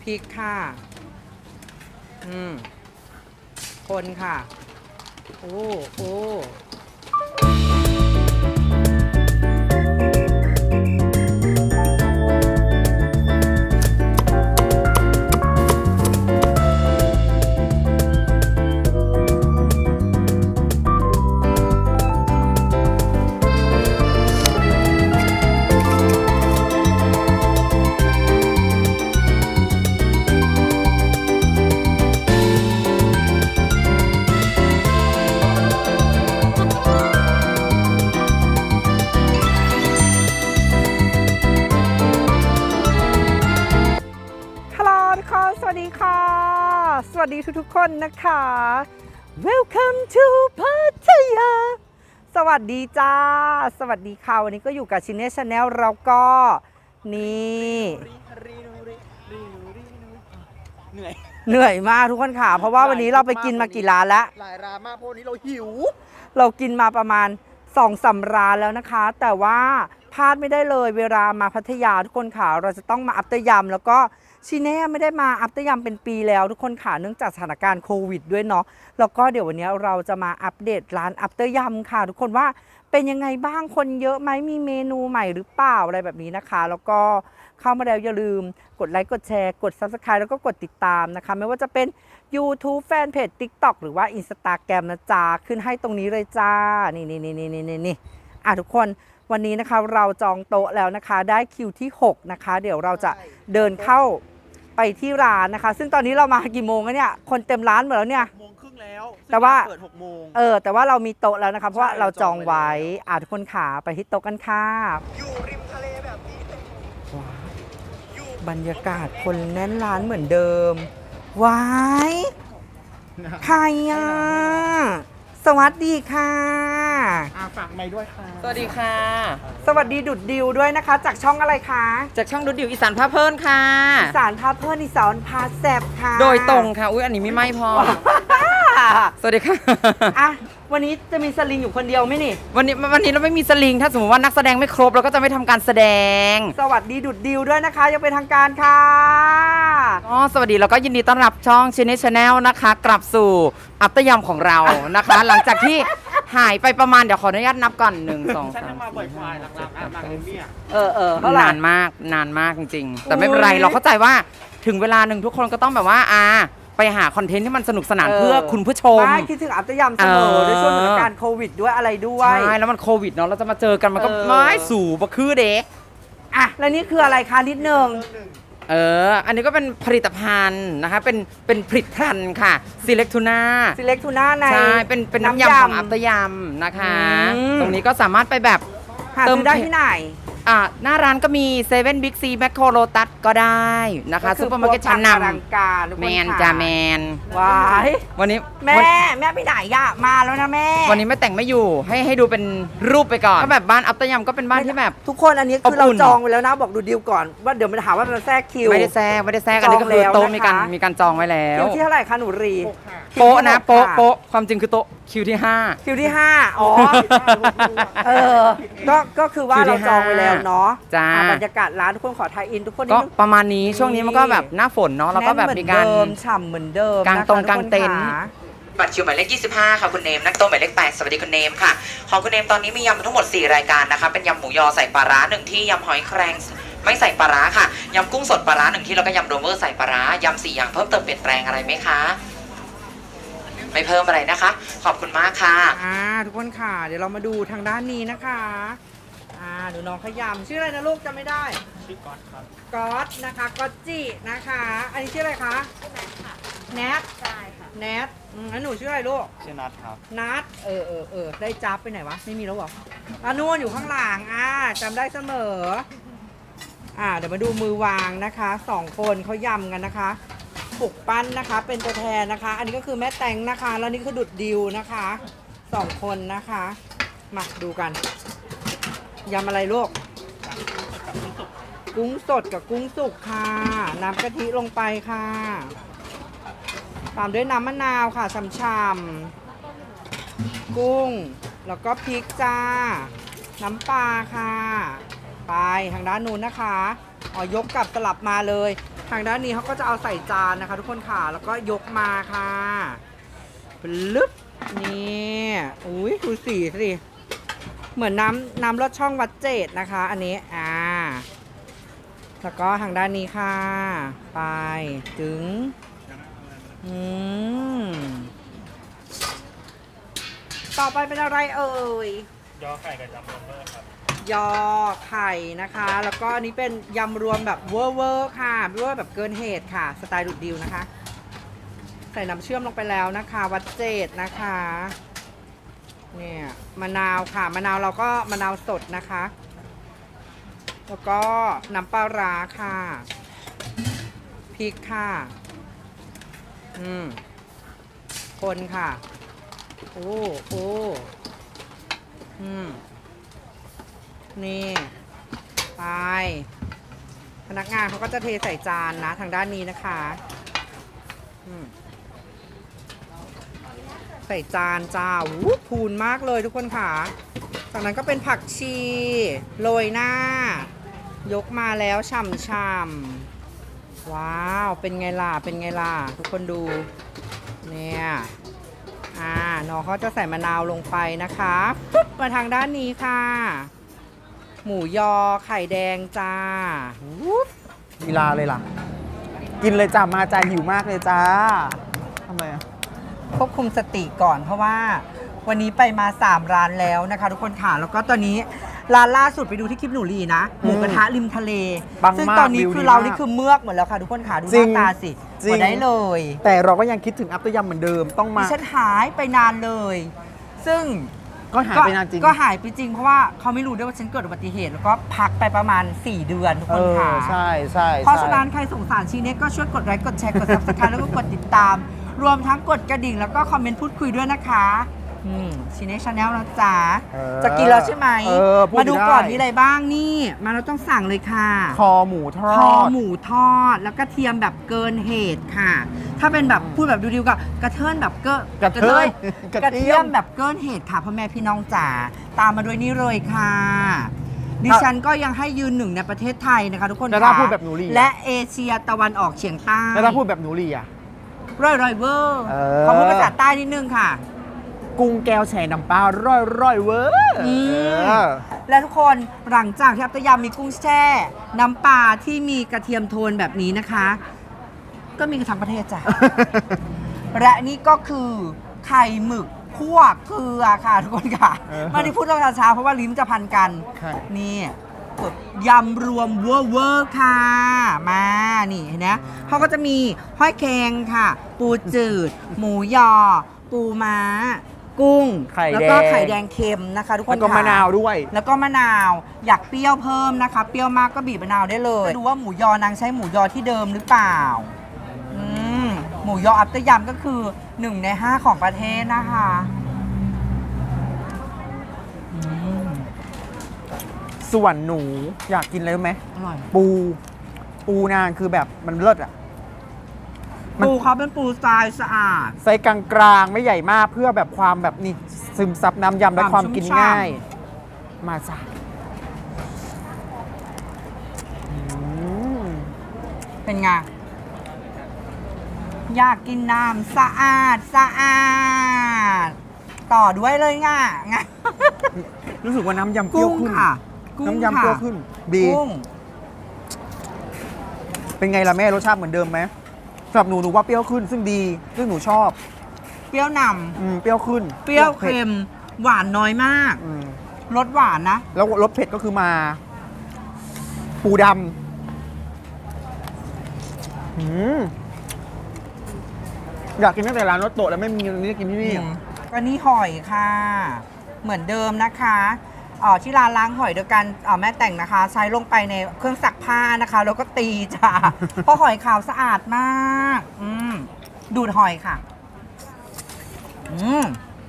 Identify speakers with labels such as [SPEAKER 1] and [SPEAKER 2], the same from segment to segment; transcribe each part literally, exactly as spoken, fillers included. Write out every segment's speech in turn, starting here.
[SPEAKER 1] พริกค่ะอืมคนค่ะโอ้โอ้สวัสดีค่ะสวัสดีทุกๆคนนะคะ Welcome to พัทยาสวัสดีจ้าสวัสดีค่ะวันนี้ก็อยู่กับชินเน่ชาแนลเราก็นี่เหนื่อยเหนื่อยมากทุกคนค่ะเพราะว่าวันนี้เราไปกินมากี่ร้านแล้ว
[SPEAKER 2] หลายร้านมากเพราะวันนี้เราหิว
[SPEAKER 1] เรากินมาประมาณสองสามร้านแล้วนะคะแต่ว่าพลาดไม่ได้เลยเวลามาพัทยาทุกคนค่ะเราจะต้องมาอัปเตอร์ยำแล้วก็ชิเน่ไม่ได้มาอัปเตอร์ยำเป็นปีแล้วทุกคนค่ะเนื่องจากสถานการณ์โควิดด้วยเนาะแล้วก็เดี๋ยววันนี้เราจะมาอัปเดตร้านอัปเตอร์ยำค่ะทุกคนว่าเป็นยังไงบ้างคนเยอะไหมมีเมนูใหม่หรือเปล่าอะไรแบบนี้นะคะแล้วก็เข้ามาแล้วอย่าลืมกดไลค์กดแชร์กด ซับสไครบ์ แล้วก็กดติดตามนะคะไม่ว่าจะเป็น ยูทูบ แฟนเพจ ติ๊กต็อก หรือว่า อินสตาแกรม นะจ๊ะขึ้นให้ตรงนี้เลยจ้านี่นี่นี่นี่นี่นี่อ่ะทุกคนวันนี้นะคะเราจองโต๊ะแล้วนะคะได้คิวที่หกนะคะเดี๋ยวเราจะเดินเข้าไปที่ร้านนะคะซึ่งตอนนี้เรามากี่โมงแล้วเนี่ยคนเต็มร้านหมดแล้วเนี่ย
[SPEAKER 2] โมงครึ่งแล้ว
[SPEAKER 1] แต่ว่า
[SPEAKER 2] เปิดหกโมง
[SPEAKER 1] เออแต่ว่าเรามีโต๊ะแล้วนะคะเพราะว่าเราจองไว้อ่ะทุกคนขาไปที่โต๊ะกันค่ะ
[SPEAKER 2] อยู่ริมทะเลแบบนี้
[SPEAKER 1] บรรยากาศคนแน่นร้านเหมือนเดิมว้ายใครอ่ะสวัสดีค่ะ
[SPEAKER 2] ฝากไมค์ด้วยค่ะ
[SPEAKER 3] สวัสดีค่ะ
[SPEAKER 1] สวัสดีดุดดิวด้วยนะคะจากช่องอะไรคะ
[SPEAKER 3] จากช่องดุดดิวอีสานพาเพลินค่ะ
[SPEAKER 1] อีสานพาเพลินอีสานพาแซบค่ะ
[SPEAKER 3] โดยตรงค่ะอุ้ยอันนี้ไม่ไม่พอสวัสดีค่ะ
[SPEAKER 1] อ่ะวันนี้จะมีสลิงอยู่คนเดียวไหมนี่
[SPEAKER 3] วันนี้วันนี้เราไม่มีสลิงถ้าสมมติว่านักแสดงไม่ครบเราก็จะไม่ทำการแสดง
[SPEAKER 1] สวัสดีดุดดิวด้วยนะคะยังเป็นทางการค่ะ
[SPEAKER 3] อ๋อสวัสดีแล้วก็ยินดีต้อนรับช่องชินเน่ชาแนลนะคะกลับสู่อัปเตอร์ยำของเรานะคะ หลังจากที่หายไปประมาณเดี๋ยวขออนุญาตนับก่อนหนึ่งสองสาม
[SPEAKER 2] มาบ่อยๆหลักๆอ่ะหลักๆเนี่ย
[SPEAKER 1] เออเออน
[SPEAKER 3] านมากนานมากจริงๆแต่ไม่เป็นไรเราเข้าใจว่าถึงเวลาหนึ่งทุกคนก็ต้องแบบว่าอ่าไปหาคอนเทนต์ที่มันสนุกสนานเพื่อคุณผู้ชม
[SPEAKER 1] ไม่คิดถึงอัปเตอร์ยำเสมอด้วยช่วงสถานการณ์โควิดด้วยอะไรด้วย
[SPEAKER 3] ใช่แล้วมันโควิดเนาะเราจะมาเจอกันมันก็ไม่สู่บะคือเด็ก
[SPEAKER 1] อ่ะแล้วนี่คืออะไรคะนิดนึง
[SPEAKER 3] เอออันนี้ก็เป็นผลิตภัณฑ์นะคะเป็นเป็นผลิตภัณฑ์ค่ะซีเล็กทูน่า
[SPEAKER 1] ซีเล็กทูน่าใน
[SPEAKER 3] ใช่เป็นเป็นน้ำยำของอัปเตอร์ยำนะคะตรงนี้ก็สามารถไปแบบ
[SPEAKER 1] เติมได้ที่ไหน
[SPEAKER 3] อ่าหน้าร้านก็มีเซเว่นบิ๊กซีแมคโครโลตัสก็ได้นะคะซุปเปอร์มาร์เก็ตชั้นน
[SPEAKER 1] ำ
[SPEAKER 3] แมนจ้าแมน
[SPEAKER 1] ว้าย
[SPEAKER 3] วันนี้
[SPEAKER 1] แม่แม่ไปไหนย่ามาแล้วนะแม่
[SPEAKER 3] วันนี้ไม่แต่งไม่อยู่ให้ให้ดูเป็นรูปไปก่อนก็แบบบ้านอัปเตอร์ยำก็เป็นบ้านที่แบบ
[SPEAKER 1] ทุกคนอันนี้คือเราจองไว้แล้วนะบอกดูดีลก่อนว่าเดี๋ยวมันหาว่ามันแทรกคิว
[SPEAKER 3] ไม่ได้แทรกไม่ได้แทรกอันนี้ก็คือโต๊ะมีการมีการจองไว้แล้ว
[SPEAKER 1] คิวที่เท่าไหร่คะหนูรี
[SPEAKER 3] โป๊ะนะโป๊ะโป๊ะความจริงคือโต๊ะคิวที่ห้า
[SPEAKER 1] คิวที่ห้าอ๋อเออก็ก็คือว่าเราจองไว้แล้วเนาะ
[SPEAKER 3] จ้า
[SPEAKER 1] บรรยากาศร้านทุกคนขอไทยอินทุกคน
[SPEAKER 3] ก็ประมาณนี้ช่วงนี้มันก็แบบหน้าฝนเนาะแล้วก็แบบมีการ
[SPEAKER 1] ฉ่ำเหมือนเดิม
[SPEAKER 3] กางตรงกางเต็นท์บัตรคิวหมายเลขยี่สิบห้าค่ะคุณเนมนักโต๊ะหมายเลขแปดสวัสดีคุณเนมค่ะของคุณเนมตอนนี้มียำทั้งหมดสี่รายการนะคะเป็นยำหมูยอใส่ปลาร้าหนึ่งที่ยำหอยแครงไม่ใส่ปลาร้าค่ะยำกุ้งสดปลาร้าหนึ่งที่แล้วก็ยำโรเวอร์ใส่ปลาร้ายำสี่อย่างเพิ่มเติมเปลี่ยนแปลงอะไรไหมคะไม่เพิ่มอะไรนะคะขอบคุณมากค่ะ
[SPEAKER 1] อ่าทุกคนค่ะเดี๋ยวเรามาดูทางด้านนี้นะคะอ่าดูน้องขยำชื่ออะไรนะลูกจำไม่ได้
[SPEAKER 2] ชื่อก๊อตครับ
[SPEAKER 1] ก๊อตนะคะก๊อตจินะคะอันนี้ชื่ออะไรคะ
[SPEAKER 4] แนทค่ะแนท
[SPEAKER 1] ใช่ค่ะแนทอืมแล้วหนูชื่ออะไรลูก
[SPEAKER 2] ชื่อนัทครับ
[SPEAKER 1] นัทเออเออเออได้จับไปไหนวะไม่มีแล้วหรออ่ะนู่นอยู่ข้างหลังอ่าจำได้เสมออ่าเดี๋ยวมาดูมือวางนะคะสองคนเขายำกันนะคะปลุกปั้นนะคะเป็นตัวแทนนะคะอันนี้ก็คือแม่แตงนะคะแล้วนี่คือดุดดิวนะคะสองคนนะคะมาดูกันยำอะไรลูกกุ้งสดกับกุ้งสุกค่ะน้ำกะทิลงไปค่ะตามด้วยน้ำมะนาวค่ะช่ำๆกุ้งแล้วก็พริกจ้าน้ำปลาค่ะไปทางด้านนู้นนะคะอ๋อยกกลับสลับมาเลยทางด้านนี้เขาก็จะเอาใส่จานนะคะ ทุกคนค่ะแล้วก็ยกมาค่ะลึบนี่อุ้ยดูสีสิเหมือนน้ำน้ำรสช่องวัดเจดนะคะ อันนี้อ่าแล้วก็ทางด้านนี้ค่ะ ไปถึงอืมต่อไปเป็นอะไรเอ่ย
[SPEAKER 2] ยอไข่กับจัมโบ้เบอร์ครับ
[SPEAKER 1] ยอไข่นะคะ แล้วก็อันนี้เป็นยำรวมแบบเวอร์เวอร์ค่ะเวอร์แบบเกินเหตุค่ะ สไตล์ดุดดิวนะคะ ใส่น้ำเชื่อมลงไปแล้วนะคะ วัดเจดนะคะเนี่ยมะนาวค่ะมะนาวเราก็มะนาวสดนะคะ แล้วก็น้ำปลาร้าค่ะพริกค่ะอืมคนค่ะโอ้โอ้อืมนี่ไปพนักงานเขาก็จะเทใส่จานนะทางด้านนี้นะคะอืมใส่จานจ้าวู้พูนมากเลยทุกคนค่ะจากนั้นก็เป็นผักชีโรยหน้ายกมาแล้วฉ่ำๆว้าวเป็นไงล่ะเป็นไงล่ะทุกคนดูเนี่ยอ่าน้องเขาจะใส่มะนาวลงไปนะคะปุ๊บมาทางด้านนี้ค่ะหมูยอไข่แดงจ้าวูบ
[SPEAKER 2] กีฬาเลยล่ะ กินเลยจ้ามาจ้าหิวมากเลยจ้าทำไมอ่ะ
[SPEAKER 1] ควบคุมสติก่อนเพราะว่าวันนี้ไปมาสามร้านแล้วนะคะทุกคนค่ะแล้วก็ตอนนี้ร้านล่าสุดไปดูที่คลิปหนูลีนะหมูกระทะริมทะเล
[SPEAKER 2] ปังมาก
[SPEAKER 1] ซึ่งตอนนี้
[SPEAKER 2] วิว
[SPEAKER 1] คือ
[SPEAKER 2] ดี
[SPEAKER 1] เรา
[SPEAKER 2] มาก
[SPEAKER 1] นี่คือเมือกหมดแล้วค่ะทุกคนค่ะดูห
[SPEAKER 2] จริ
[SPEAKER 1] น้าง ตาสิ
[SPEAKER 2] จริง
[SPEAKER 1] หมดได้เลย
[SPEAKER 2] แต่เราก็ยังคิดถึงอัปเตอร์ยำเหมือนเดิมต้องมา
[SPEAKER 1] ดิฉันหายไปนานเลย ซึ่ง
[SPEAKER 2] ก็หายไปนานจริง
[SPEAKER 1] ก็หายไปจริงเพราะว่าเขาไม่รู้ด้วยว่าฉันเกิดอุบัติเหตุ แล้วก็พักไปประมาณสี่เดือนทุก
[SPEAKER 2] เอ
[SPEAKER 1] คน
[SPEAKER 2] อ
[SPEAKER 1] ค่ะ
[SPEAKER 2] ใช่ใช่
[SPEAKER 1] เพราะ
[SPEAKER 2] ใช่
[SPEAKER 1] ฉะนั้นใครสงสารชีเน็กก็ช่วยกดไลค์กดแชร์กด ซับสไครบ์ แล้วก็กดติดตาม รวมทั้งกดกระดิ่งแล้วก็คอมเมนต์พูดคุยด้วยนะคะอืมชีเน็กชาแนลนะจ๊ะ
[SPEAKER 2] เออ
[SPEAKER 1] จะกินแล้วใช่ไหม
[SPEAKER 2] เออพูด
[SPEAKER 1] มาดู
[SPEAKER 2] ได้
[SPEAKER 1] ก่อนมีอะไรบ้างนี่ มาเราต้องสั่งเลยค่ะ
[SPEAKER 2] คอหมูทอ
[SPEAKER 1] คอ
[SPEAKER 2] ด
[SPEAKER 1] หมูทอดแล้วก็เทียมแบบเกินเหตุค่ะ ถ้าเป็นแบบพูดแบบดูดิวก็กระเทินแบบเกอะ
[SPEAKER 2] กระเทิน
[SPEAKER 1] กระ
[SPEAKER 2] กระเที
[SPEAKER 1] เทีย
[SPEAKER 2] ย
[SPEAKER 1] ม
[SPEAKER 2] ม
[SPEAKER 1] แบบเกินเหตุค่ะพ่อแม่พี่น้องจ๋าตามมาด้วยนี่เลยค่ะ ดิฉันก็ยังให้ยืนหนึ่งในประเทศไทยนะคะทุกคน
[SPEAKER 2] แล้วถ้า
[SPEAKER 1] ค่ะ
[SPEAKER 2] พูดแบบหนูลี
[SPEAKER 1] และเอเชียตะวันออกเฉียงใต้
[SPEAKER 2] แล้วถ้าพูดแบบหนูลีอ่ะ
[SPEAKER 1] ร่อยร่อยเวอร์
[SPEAKER 2] เออ
[SPEAKER 1] ขอพูดภาษาใต้นิดนึงค่ะ
[SPEAKER 2] กุ้งแก้วแช่น้ำปลาร่อยร่อยเวอร์
[SPEAKER 1] อืม
[SPEAKER 2] เออ
[SPEAKER 1] และทุกคนหลังจากที่อัปตยามมีกุ้งแช่ น้ำปลาที่มีกระเทียมโทนแบบนี้นะคะ ก็มีกันทั้งประเทศจ้ะ และนี่ก็คือไข่หมึกคั่วเกลือค่ะทุกคนค่ะ
[SPEAKER 2] เออ
[SPEAKER 1] ไม่ได้พูดเรื่องช้าๆเพราะว่าลิ้นจะพันกัน
[SPEAKER 2] ใช่
[SPEAKER 1] นี่ยำรวมเวอร์เวอร์ค่ะ มานี่เห็นไหมเขาก็จะมีห้อยแครงค่ะ ปูจืด หมูยอ ปูม้า กุ้ง
[SPEAKER 2] ไข่
[SPEAKER 1] แล้ว
[SPEAKER 2] แดง
[SPEAKER 1] ก็ไข่แดงเค็มนะคะ ทุกคน
[SPEAKER 2] แล้วก็
[SPEAKER 1] ค่
[SPEAKER 2] มะนาวด้วย
[SPEAKER 1] แล้วก็มะนาวอยากเปรี้ยวเพิ่มนะคะ เปรี้ยวมากก็บีบมะนาวได้เลยดูว่าหมูยอนางใช้หมูยอที่เดิมหรือเปล่าอืมหมูยออัปเตอร์ยำก็คือหนึ่งในห้าของประเทศนะคะอืม
[SPEAKER 2] ส่วนหนูอยากกินอะไรรู้ไหม
[SPEAKER 1] อร่อย
[SPEAKER 2] ปู ปูนางคือแบบมันเลิศอ่ะ มัน
[SPEAKER 1] ปูเขาเป็นปูทรายสะอาด
[SPEAKER 2] ไซส์กลางๆ ไม่ใหญ่มากเพื่อแบบความแบบนี่ซึมซับน้ำยำและ
[SPEAKER 1] ความ
[SPEAKER 2] ความกิน
[SPEAKER 1] ชุ่มฉ่ำ
[SPEAKER 2] ง่าย มาจ้ะอืม
[SPEAKER 1] เป็นไงอยากกินน้ำสะอาดสะอาด ต่อด้วยเลยง่ะไง
[SPEAKER 2] รู้สึกว่าน้ำยำเปรี้ยว
[SPEAKER 1] กุ้ง
[SPEAKER 2] ขึ้น
[SPEAKER 1] ค่ะกุ้ง
[SPEAKER 2] น้ำยำเปรี้ยวขึ้น ดี
[SPEAKER 1] กุ้ง
[SPEAKER 2] เป็นไงล่ะแม่รสชาติเหมือนเดิมไหมสำหรับหนูหนูว่าเปรี้ยวขึ้น ซึ่งดี ซึ่งหนูชอบ
[SPEAKER 1] เปรี้ยวน
[SPEAKER 2] อืมเปรี้ยวขึ้น
[SPEAKER 1] ำเปรี้ยว
[SPEAKER 2] ผ็ด
[SPEAKER 1] เค็มหวานน้อยมาก
[SPEAKER 2] อืม
[SPEAKER 1] รสหวานนะ
[SPEAKER 2] แล้วรสเผ็ดก็คือมา ปูดำอืมอยากกินตั้งแต่ร้านรถโตะแล้วไม่มีวันนี้ได้กินที่นี่
[SPEAKER 1] อืมก็นี่หอยค่ะ เหมือนเดิมนะคะเอ่อที่ร้านล้างหอยโดยการเอ่อแม่แต่งนะคะ ใช้ลงไปในเครื่องซักผ้านะคะ แล้วก็ตีจ้ะ เพราะหอยขาวสะอาดมากอืมดูดหอยค่ะอืม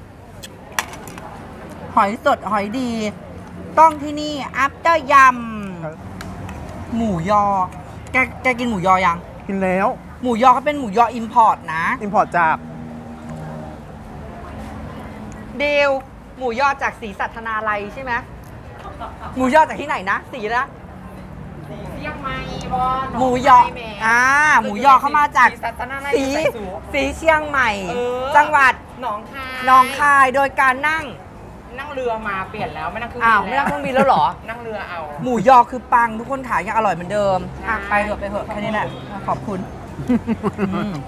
[SPEAKER 1] หอยสดหอยดี ต้องที่นี่อัปเตอร์ย
[SPEAKER 2] ครับ
[SPEAKER 1] ำหมูยอ แกแกกินหมูยอยัง
[SPEAKER 2] กินแล้ว
[SPEAKER 1] หมูยอเขาเป็นหมูยออิมพอร์ตนะ
[SPEAKER 2] อิมพอร์ตจาก
[SPEAKER 1] เดวหมูยอจากศรีสัทนาลัยใช่ไหมหมูยอจากที่ไหนนะศรีละ
[SPEAKER 3] เชียงใหม่บอล
[SPEAKER 1] หมูยออ่าหมูยอเข้ามาจาก
[SPEAKER 3] ศาสนาอะไร
[SPEAKER 1] สี
[SPEAKER 3] ใส่สูง
[SPEAKER 1] สีเชียงใหม่
[SPEAKER 3] เออ
[SPEAKER 1] จังหวัด
[SPEAKER 3] หนองคาย
[SPEAKER 1] หนองคายโดยการนั่ง
[SPEAKER 3] นั่งเรือมาเปลี่ยนแล้วไม่นั่งเครื่อง
[SPEAKER 1] อ้าว
[SPEAKER 3] บิน
[SPEAKER 1] ไม่นั่งเครื่องบินแล้วเหรอ
[SPEAKER 3] นั่งเรือเอา
[SPEAKER 1] หมูยอคือปังทุกคนขายยังอร่อยเหมือนเดิม
[SPEAKER 3] ใช่
[SPEAKER 1] อ่ะไปเถอะไปเถอะแค่นี้แหละขอบคุณอืม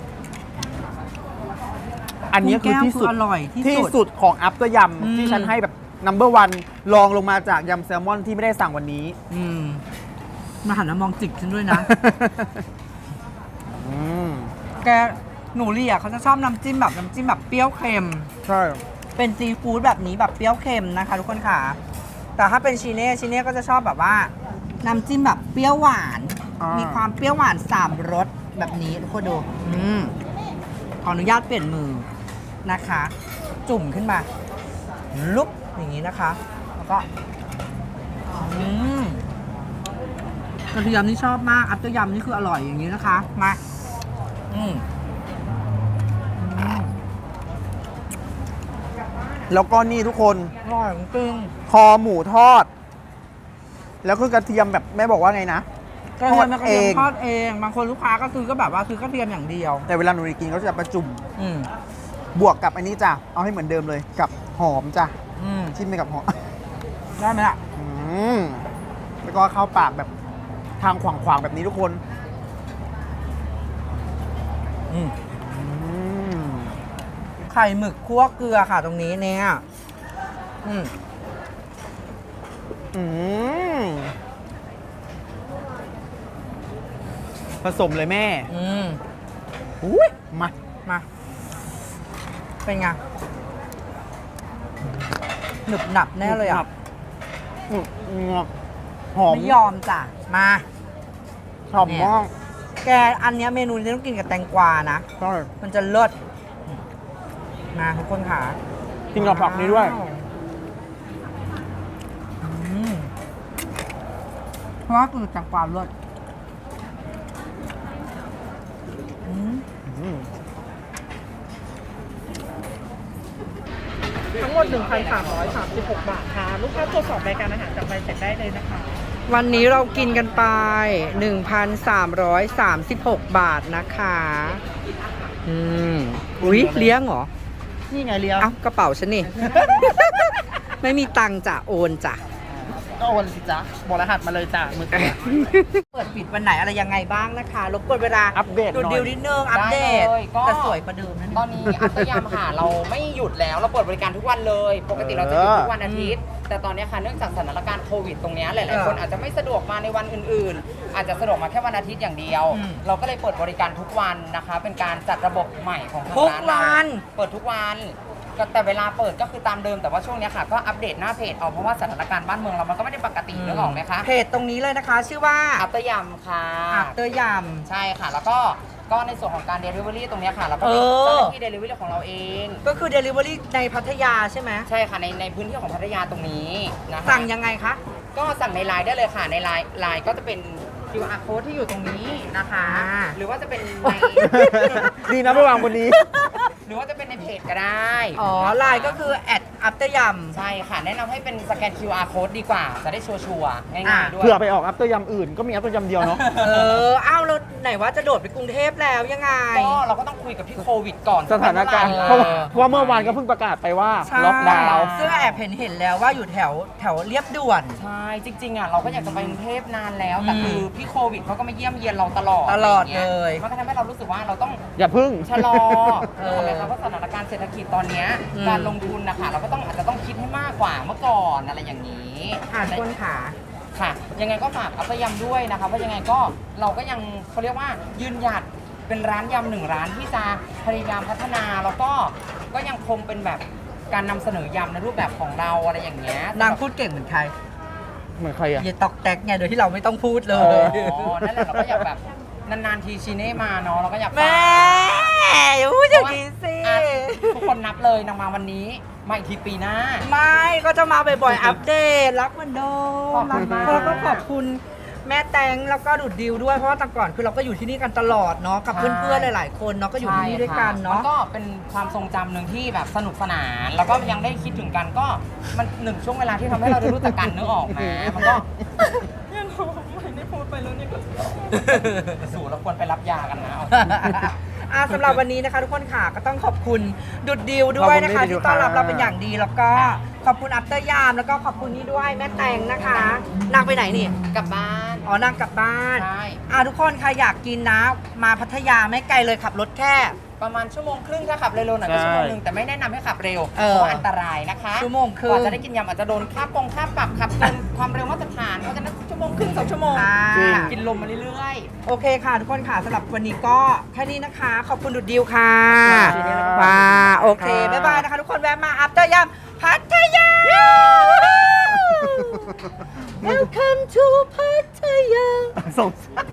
[SPEAKER 2] อันนี้คือที่สุด
[SPEAKER 1] กุ้งแก้วคืออร่อยที่สุด
[SPEAKER 2] ที่สุดของอัพเตอร์ย
[SPEAKER 1] อืม
[SPEAKER 2] ำที่ฉันให้แบบ นัมเบอร์วันรองลงมาจากยำแซลมอนที่ไม่ได้สั่งวันนี้
[SPEAKER 1] อืมมาหันมามองจิกฉันด้วยนะ
[SPEAKER 2] อืม
[SPEAKER 1] แกหนูเรียเขาจะชอบน้ำจิ้มแบบน้ำจิ้มแบบเปรี้ยวเค็ม
[SPEAKER 2] ใช่
[SPEAKER 1] เป็นซีฟู้ดแบบนี้แบบเปรี้ยวเค็มนะคะทุกคนค่ะ แต่ถ้าเป็นชีเน่ชีเน่ก็จะชอบแบบว่า น้ำจิ้มแบบเปรี้ยวหวาน มีความเปรี้ยวหวานสามรสแบบนี้ทุกคนดู อืมขออนุญาตเปลี่ยนมือนะคะ จุ่มขึ้นมา ลุกอย่างนี้นะคะ แล้วก็อืมกระเทียมนี่ชอบมาก อัพเตอร์ยำนี่คืออร่อยอย่างนี้นะคะ มา อืมอืม
[SPEAKER 2] แล้วก็นี่ทุกคน
[SPEAKER 1] อร่อยจริง
[SPEAKER 2] คอหมูทอด แล้วคือกระเทียมแบบแม่บอกว่าไงนะ
[SPEAKER 1] กระเทียม
[SPEAKER 2] ทอด
[SPEAKER 1] กระเทียม
[SPEAKER 2] เอง
[SPEAKER 1] ทอดเอง บางคนลูกค้าก็ซื้อก็แบบว่าซื้อกระเทียมอย่างเดียว
[SPEAKER 2] แต่เวลาหนูกินเขาจะประจุม
[SPEAKER 1] อืม
[SPEAKER 2] บวกกับอันนี้จ้ะ เอาให้เหมือนเดิมเลยกับหอมจ้ะ
[SPEAKER 1] อืม
[SPEAKER 2] จิ้มไปกับหอม
[SPEAKER 1] ได้ไหมล่ะ
[SPEAKER 2] อืมแล้วก็เข้าปากแบบทางขวางๆแบบนี้ทุกคน
[SPEAKER 1] อืม
[SPEAKER 2] อืม
[SPEAKER 1] ไข่หมึกคั่วเกลือค่ะตรงนี้เนี่ย อืม
[SPEAKER 2] อืมผสมเลยแม่
[SPEAKER 1] อืม
[SPEAKER 2] อุ้ยมา
[SPEAKER 1] มา เป็นไง หนึบหนับแน่เลยอ่ะ
[SPEAKER 2] อืมอืมหอม
[SPEAKER 1] ไม่ยอมจ้ะ มา
[SPEAKER 2] หอมมาก
[SPEAKER 1] แกอันเนี้ยเมนูนี้ต้องกินกับแตงกวานะ
[SPEAKER 2] ใช่
[SPEAKER 1] มันจะเลิศมาทุกคนค่ะ
[SPEAKER 2] กินกับผักนี้ด้วย
[SPEAKER 1] อืมเพราะว่าคือแตงกวาเลิศอืม
[SPEAKER 2] อืม
[SPEAKER 4] ทั้งหมด หนึ่งพันสามร้อยสามสิบหก บาทค่ะ ลูกค้าตรวจสอบรายการอาหารจากใบเสร็จได้เลยนะคะ
[SPEAKER 1] วันนี้เรากินกันไป หนึ่งพันสามร้อยสามสิบหก บาทนะคะ อืม อุ๊ย เลี้ยงเหรอ
[SPEAKER 2] นี่ไงเลี้ยง
[SPEAKER 1] เอ้ากระเป๋าฉันนี่ ไม่มีตังค์จ้ะโอนจ้ะ
[SPEAKER 2] ก็โอนสิจ๊ะบอกรหัสมาเลยจ้ะมือถือ
[SPEAKER 1] เปิดปิดวันไหนอะไรยังไงบ้างนะคะรบกวนเวลา
[SPEAKER 2] อัปเดตหน่
[SPEAKER 1] ดู
[SPEAKER 2] อย
[SPEAKER 1] ดิวนิดนึง อัปเดต
[SPEAKER 3] ได้เลยก็
[SPEAKER 1] แต่สวยประเดิมนะ
[SPEAKER 3] ตอนนี้อัตยามค่ะเราไม่หยุดแล้วเราเปิดบริการทุกวันเลย ปกติเราจะหยุดทุกวันอาทิตย์ แต่ตอนนี้ค่ะเนื่องจากสถานการณ์โควิดตรงเนี้ยหลายๆคนอาจจะไม่สะดวกมาในวันอื่นๆ อาจจะสะดวกมาแค่วันอาทิตย์อย่างเดียว เราก็เลยเปิดบริการทุกวันนะคะ เป็นการจัดระบบใหม่ของทาง
[SPEAKER 1] ทุก
[SPEAKER 3] ร้านเรา
[SPEAKER 1] วัน
[SPEAKER 3] เปิดทุกวันก็แต่เวลาเปิดก็คือตามเดิมแต่ว่าช่วงเนี้ยค่ะก็อัปเดตหน้าเพจเอาเพราะว่าสถานการณ์บ้านเมืองเรามันก็ไม่ได้ปกตินึกออกไหมคะ
[SPEAKER 1] เพจตรงนี้เลยนะคะ ชื่อว่า
[SPEAKER 3] อัตยามค่ะ
[SPEAKER 1] อัปเตอร์ย
[SPEAKER 3] ใช่ค่ะ แล้วก็ก็ในส่วนของการ Delivery ตรงเนี้ยค่ะเราก็เป็น
[SPEAKER 1] เออ
[SPEAKER 3] เจ้าหน้าที่ Delivery ของเราเอง
[SPEAKER 1] ำก็คือ Delivery ในพัทยาใช่ไหม
[SPEAKER 3] ใช่ค่ะในในพื้นที่ของพัทยาตรงนี้นะคะ
[SPEAKER 1] สั่งยังไงคะ
[SPEAKER 3] ก็สั่งในไลน์ได้เลยค่ะในไลน์ไลน์ก็จะเป็น คิว อาร์ code ที่อยู่ตรงนี้นะคะ
[SPEAKER 1] อ่า
[SPEAKER 3] หรือว่าจะเป็นใน
[SPEAKER 2] ดีนะไปวางบนนี้
[SPEAKER 3] หรือว่าจะเป็นในเพจก็ได้
[SPEAKER 1] อ๋อไลน์ก็คือแอดอัปเตอร์ย
[SPEAKER 3] ใช่ค่ะ แนะนำให้เป็นสแกน คิว อาร์ code ดีกว่า จะได้ชัวร์ๆง่ายๆด้วย
[SPEAKER 2] เผื่อไปออกอัพเตอร์ยำอื่นก็มีอัพเตอร์ยำเดียวเนาะ
[SPEAKER 1] ำเอออ้าวแล้วไหนว่าจะโดดไปกรุงเทพแล้วยังไง
[SPEAKER 3] ก็เราก็ต้องคุยกับพี่โควิดก่อน
[SPEAKER 2] สถานการณ์
[SPEAKER 3] ว่
[SPEAKER 2] เพราะว่าเพราะว่าเมื่อวานก็เพิ่งประกาศไปว่า
[SPEAKER 1] ใช่
[SPEAKER 2] ล็อกดาวน์
[SPEAKER 1] ซึ่งแอบเห็นเห็นแล้วว่าอยู่แถวแถวเรียบด่วน
[SPEAKER 3] ใช่ จริงๆอ่ะเราก็อยากจะไปกรุงเทพนานแล้ว แต่
[SPEAKER 1] อืม
[SPEAKER 3] คือพี่โควิดเขาก็มาเยี่ยมเยียนเราตลอด
[SPEAKER 1] ตลอด
[SPEAKER 3] ะไรางงี้
[SPEAKER 1] เลย
[SPEAKER 3] มันก็ทำให้เรารู้สึกว่าเราต้อง
[SPEAKER 2] อย่าพึ่ง
[SPEAKER 3] ชะลอ
[SPEAKER 1] เอ
[SPEAKER 3] เอ
[SPEAKER 1] อ
[SPEAKER 3] อไหมคะเพราะสถานการณ์เศรษฐกิจตอนเนี้ย
[SPEAKER 1] อืม
[SPEAKER 3] การลงทุนนะคะเราก็ต้องอาจจะต้องคิดให้มากกว่าเมื่อก่อนอะไรอย่างนี้
[SPEAKER 1] อ่านคนขา
[SPEAKER 3] ค่ะ ยังไงก็ฝากอัปยำด้วยนะคะเพราะยังไงก็เราก็ยังเขาเรียกว่ายืนหยัดเป็นร้านยำหนึ่งร้านที่จะพยายามพัฒนาแล้วก็ก็ยังคงเป็นแบบการนำเสนอยำในรูปแบบของเราอะไรอย่างเงี้ย
[SPEAKER 1] นางพูดเก่งเหมือนใคร
[SPEAKER 2] เหมือนใครอ่ะ
[SPEAKER 1] เยตอกแตกไงโดยที่เราไม่ต้องพูดเล
[SPEAKER 2] อ๋
[SPEAKER 1] ย
[SPEAKER 3] อ๋อนั่นแหละเราก็อยากแบบนานๆทีชีเน่มาเนาะเราก็อยาก
[SPEAKER 1] แม่
[SPEAKER 3] ฝาก
[SPEAKER 1] อย่าพูดอย่างนี้สิ
[SPEAKER 3] อ่ะทุกคนนับเลยนางมาวันนี้มาอีกทีปีหน้า
[SPEAKER 1] ไม่ก็จะมาบ่อยๆ อัปเดต รักเหมือนเดิ
[SPEAKER 3] ขอ
[SPEAKER 1] ม
[SPEAKER 3] บคุณมาก
[SPEAKER 1] แล้วก็ขอบคุณแม่แตงแล้วก็ดุดดิวด้วย เพราะว่าแต่ก่อนคือเราก็อยู่ที่นี่กันตลอดเนาะกับเพื่อนๆ หลายๆ คนเนาะก็อยู่ที่นี่ด้วยกัน
[SPEAKER 3] มั
[SPEAKER 1] เนาะ
[SPEAKER 3] ก็เป็นความทรงจำหนึ่งที่แบบสนุกสนาน แล้วก็ยังได้คิดถึงกันก็มันหนึ่งช่วงเวลาที่ทำให้เราได้รู้จักกันนึกออกไหมมันก็ไม่ได้พูดสู่เราควรไปรับยากันนะ
[SPEAKER 1] อ่าสำหรับวันนี้นะคะทุกคนค่ะก็ต้องขอบคุณดุดดิวด้วยนะคะที่ต้อนรับเราเป็นอย่างดีแล้วก็ขอบคุณอัปเตอร์ยามแล้วก็ขอบคุณนี่ด้วยแม่แตงนะคะนางไปไหนนี่
[SPEAKER 3] กลับบ้าน
[SPEAKER 1] อ๋อนางกลับบ้าน
[SPEAKER 3] ใช่
[SPEAKER 1] อ่าทุกคนใครอยากกินนะมาพัทยาไม่ไกลเลยขับรถแค่
[SPEAKER 3] ประมาณชั่วโมงครึ่งถ้าขับเร็วๆหน่อยก็ชั่วโมงหนึงแต่ไม่แนะนำให้ขับเร็ว
[SPEAKER 1] เออ
[SPEAKER 3] เพราะว่าอันตรายนะคะ
[SPEAKER 1] ชั่วโมงครึ่ง
[SPEAKER 3] กว่าจะได้กินยำอาจจะโดนค่าปงค่าปรับขับเกินความเร็วมาตรฐานเพราะฉะนั้นชั่วโมงครึ่งสองชั่วโมง
[SPEAKER 1] อ่า
[SPEAKER 2] จริง
[SPEAKER 3] กินลมมาเรื่อย
[SPEAKER 1] โอเคค่ะทุกคนค่ะสำหรับวันนี้ก็แค่นี้นะคะ ขอบคุณดุดดิวค่ะ
[SPEAKER 2] ค่ะ
[SPEAKER 1] ว้าโอเค
[SPEAKER 2] ค่ะ
[SPEAKER 1] บ๊ายบายนะคะทุกคนแวะมาอัปเตอร์ยามพัทยา Welcome to พัทยา
[SPEAKER 2] สงสาร